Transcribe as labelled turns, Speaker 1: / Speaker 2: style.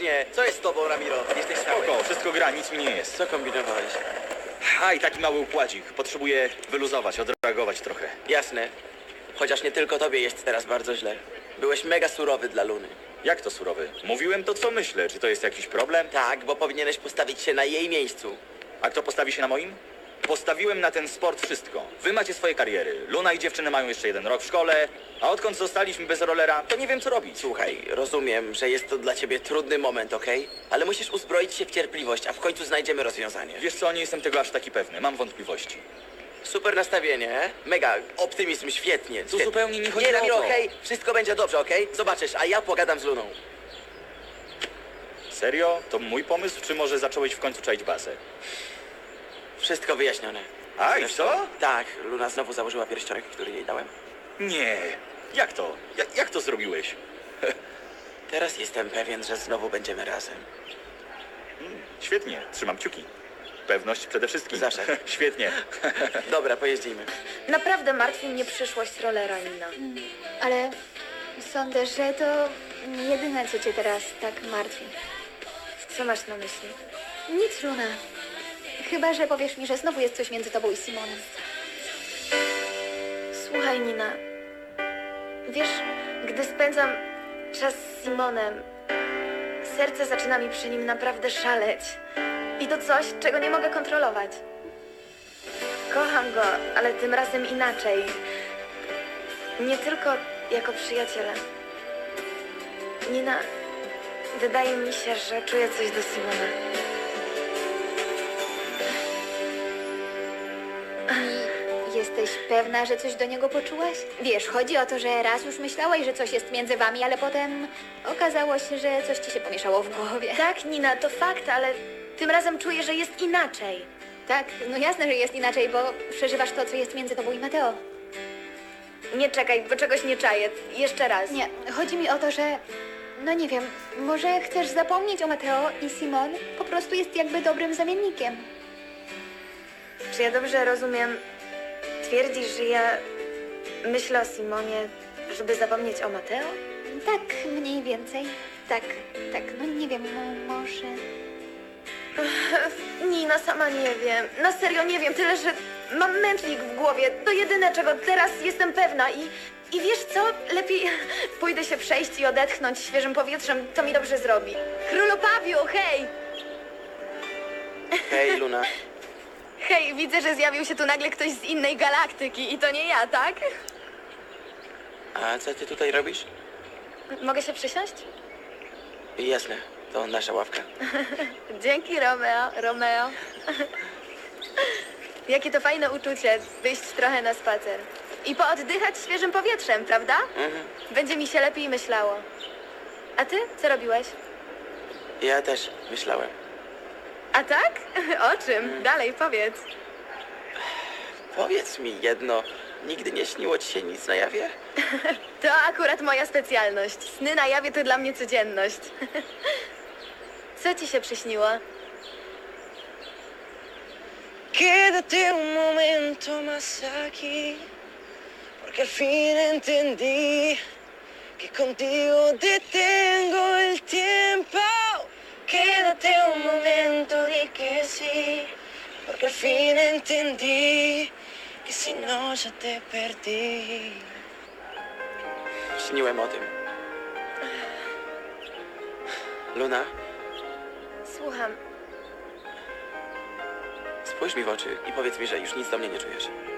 Speaker 1: Faktycznie, co jest z tobą, Ramiro? Jesteś cały.
Speaker 2: Spoko, wszystko gra, nic mi nie jest.
Speaker 1: Co kombinowałeś?
Speaker 2: A, i taki mały układzik. Potrzebuję wyluzować, odreagować trochę.
Speaker 1: Jasne. Chociaż nie tylko tobie jest teraz bardzo źle. Byłeś mega surowy dla Luny.
Speaker 2: Jak to surowy? Mówiłem to, co myślę. Czy to jest jakiś problem?
Speaker 1: Tak, bo powinieneś postawić się na jej miejscu.
Speaker 2: A kto postawi się na moim? Postawiłem na ten sport wszystko. Wy macie swoje kariery. Luna i dziewczyny mają jeszcze 1 rok w szkole, a odkąd zostaliśmy bez rolera, to nie wiem, co robić.
Speaker 1: Słuchaj, rozumiem, że jest to dla ciebie trudny moment, okej? Ale musisz uzbroić się w cierpliwość, a w końcu znajdziemy rozwiązanie.
Speaker 2: Wiesz co, nie jestem tego aż taki pewny. Mam wątpliwości.
Speaker 1: Super nastawienie, mega optymizm, świetnie.
Speaker 2: Tu zupełnie nie chodzi
Speaker 1: Nie,
Speaker 2: o
Speaker 1: Ramiro,
Speaker 2: to.
Speaker 1: okej? Wszystko będzie dobrze, okej? Zobaczysz, a ja pogadam z Luną.
Speaker 2: Serio? To mój pomysł, czy może zacząłeś w końcu czaić bazę?
Speaker 1: Wszystko wyjaśnione.
Speaker 2: A, i
Speaker 1: Zresztą-
Speaker 2: co?
Speaker 1: Tak, Luna znowu założyła pierścionek, który jej dałem.
Speaker 2: Nie. Jak to? Jak to zrobiłeś?
Speaker 1: Teraz jestem pewien, że znowu będziemy razem.
Speaker 2: Świetnie, trzymam kciuki. Pewność przede wszystkim.
Speaker 1: Zawsze.
Speaker 2: Świetnie.
Speaker 1: Dobra, pojeździmy.
Speaker 3: Naprawdę martwi mnie przyszłość rolera, Nina.
Speaker 4: Ale sądzę, że to nie jedyne, co cię teraz tak martwi.
Speaker 3: Co masz na myśli?
Speaker 4: Nic, Luna. Chyba, że powiesz mi, że znowu jest coś między tobą i Simonem.
Speaker 3: Słuchaj, Nina. Wiesz, gdy spędzam czas z Simonem, serce zaczyna mi przy nim naprawdę szaleć. I to coś, czego nie mogę kontrolować. Kocham go, ale tym razem inaczej. Nie tylko jako przyjaciela. Nina, wydaje mi się, że czuję coś do Simona.
Speaker 4: Jesteś pewna, że coś do niego poczułaś? Wiesz, chodzi o to, że raz już myślałaś, że coś jest między wami, ale potem okazało się, że coś ci się pomieszało w głowie.
Speaker 3: Tak, Nina, to fakt, ale tym razem czuję, że jest inaczej.
Speaker 4: Tak, no jasne, że jest inaczej, bo przeżywasz to, co jest między tobą i Mateo.
Speaker 3: Nie czekaj, bo czegoś nie czaję. Jeszcze raz.
Speaker 4: Nie, chodzi mi o to, że... No nie wiem, może chcesz zapomnieć o Mateo i Simon po prostu jest jakby dobrym zamiennikiem.
Speaker 3: Czy ja dobrze rozumiem? Twierdzisz, że ja myślę o Simonie, żeby zapomnieć o Mateo?
Speaker 4: Tak, mniej więcej. Tak, no nie wiem, może...
Speaker 3: Nina, sama nie wiem. Na serio nie wiem, tyle, że mam mętlik w głowie. To jedyne, czego teraz jestem pewna i wiesz co? Lepiej pójdę się przejść i odetchnąć świeżym powietrzem. To mi dobrze zrobi. Królu Pawiu, hej!
Speaker 1: Hej, Luna.
Speaker 3: Hej, widzę, że zjawił się tu nagle ktoś z innej galaktyki i to nie ja, tak?
Speaker 1: A co ty tutaj robisz?
Speaker 3: Mogę się przysiąść?
Speaker 1: Jasne, to nasza ławka.
Speaker 3: Dzięki, Romeo. Jakie to fajne uczucie, wyjść trochę na spacer. I pooddychać świeżym powietrzem, prawda? Będzie mi się lepiej myślało. A ty? Co robiłeś?
Speaker 1: Ja też myślałem.
Speaker 3: A tak? O czym? Dalej, powiedz.
Speaker 1: Powiedz mi jedno, nigdy nie śniło ci się nic na jawie?
Speaker 3: To akurat moja specjalność. Sny na jawie to dla mnie codzienność. Co ci się przyśniło?
Speaker 5: Quédate un momento más aquí, porque al fin entendí que contigo detengo el tiempo. Quédate un momento, di que sí, porque al fin entendí que si no ya te perdí.
Speaker 1: Śniłem o tym. Luna,
Speaker 3: Słucham.
Speaker 1: spójrz mi w oczy i powiedz mi, że już nic do mnie nie czujesz.